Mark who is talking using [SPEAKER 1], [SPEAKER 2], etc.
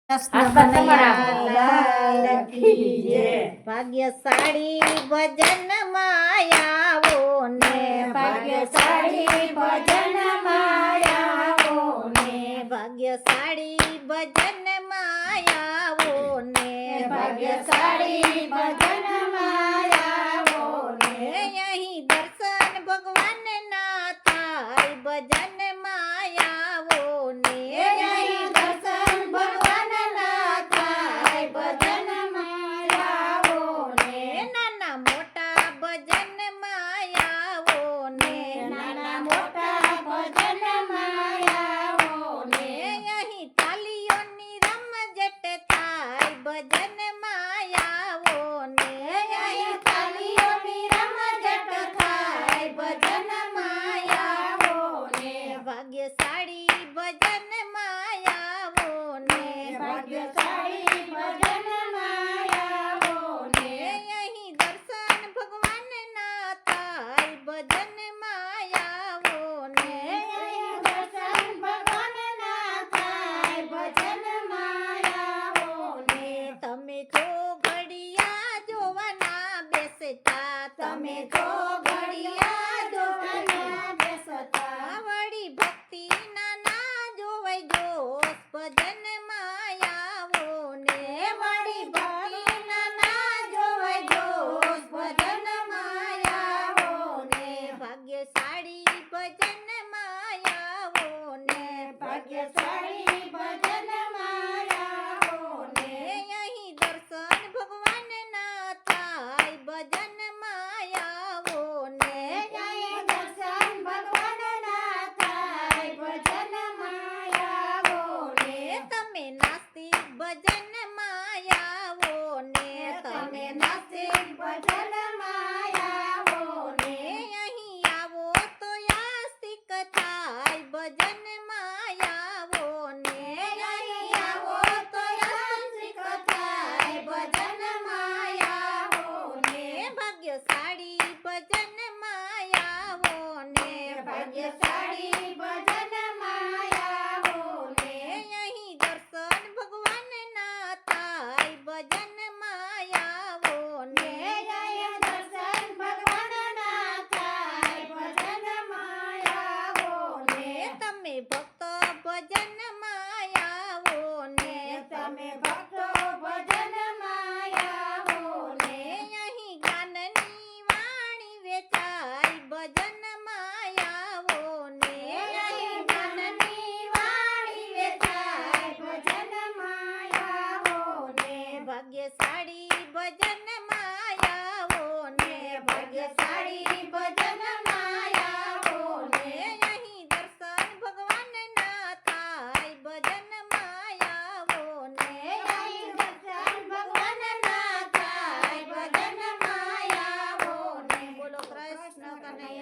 [SPEAKER 1] ભાગ્યશાળી ભજન માયાવો ને
[SPEAKER 2] ભાગ્યશાળી ભજન માયાવો ને
[SPEAKER 1] ભાગ્યશાળી ભજન માયાવો ને
[SPEAKER 2] ભાગ્યશાળી ભજન માયાવો ને
[SPEAKER 1] અહીં દર્શન ભગવાન ના થાય ભજન માયાવો ને
[SPEAKER 2] અહીં દર્શન ભગવાન ના થાય ભજન માયાવો ને
[SPEAKER 1] નાના મોટા ભજન માયાવો ને
[SPEAKER 2] નાના મોટા ભજન માયાવો ને
[SPEAKER 1] અહીં તાલીઓની રમઝટ થાય ભજન માયાવો ને
[SPEAKER 2] અહીં તાલીઓની રમઝટ થાય ભજન માયાવો ને
[SPEAKER 1] ભાગ્યશાળી ભજન માયાવો ને
[SPEAKER 2] ભાગ્યશાળી ભજન માયાવો ને
[SPEAKER 1] અહીં દર્શન ભગવાન ના થાય ભજન માયાવો ને
[SPEAKER 2] અહીં દર્શન ભગવાન ના થાય ભજન માયાવો ને
[SPEAKER 1] તમે છો ઘડિયા જોવાના બેસતા
[SPEAKER 2] તમે છો ઘડિયા જોવાના બેસતા
[SPEAKER 1] વળી ભક્તિ ના જોવાય જોશ ભજન માયાવો ને
[SPEAKER 2] વળી ભક્તિ ના જોવાય જોશ ભજન માયાવો ને
[SPEAKER 1] ભાગ્યશાળી ભજન માયાવો ને
[SPEAKER 2] ભાગ્યશાળી ભજન માયાવો ને
[SPEAKER 1] અહીં દર્શન ભગવાન ના થાય ભજન માયાવો ને
[SPEAKER 2] અહીં દર્શન ભગવાન ના થાય ભજન માયાવો ને
[SPEAKER 1] તમે નાસ્તિક ભજન માયાવો ને
[SPEAKER 2] તમે નાસ્તિક ભજન માયાવો ને
[SPEAKER 1] અહીં આવો તો આસ્તિક થાય ભજન માયાવો ને
[SPEAKER 2] અહીં આવો તો યાત્રિક થાય ભજન માયાવો ને
[SPEAKER 1] ભાગ્યશાળી ભજન માયાવો ને
[SPEAKER 2] ભાગ્યશાળી ભજન માયાવો ને
[SPEAKER 1] અહીં દર્શન ભગવાન ના થાય ભજન માયાવો ને
[SPEAKER 2] અહીં દર્શન ભગવાન ના થાય ભજન માયાવો ને
[SPEAKER 1] તમે ભક્ત ભજન માયાવો ને
[SPEAKER 2] તમે ભક્તો ભજન માયાવો ને
[SPEAKER 1] અહીં જ્ઞાનની વાણી વેચાય ભજન માયાવો ને
[SPEAKER 2] અહીં જ્ઞાનની વાણી વેચાય ભજન માયાવો ને
[SPEAKER 1] ભાગ્યશાળી ભજન માયાવો ને
[SPEAKER 2] ભાગ્યશાળી ભજન માયાવો ને
[SPEAKER 1] અહીં દર્શન ભગવાન ના થાય ભજન માયાવો ને
[SPEAKER 2] અહીં દર્શન ભગવાન ના થાય ભજન માયાવો ને
[SPEAKER 1] બોલો કૃષ્ણ કનૈયા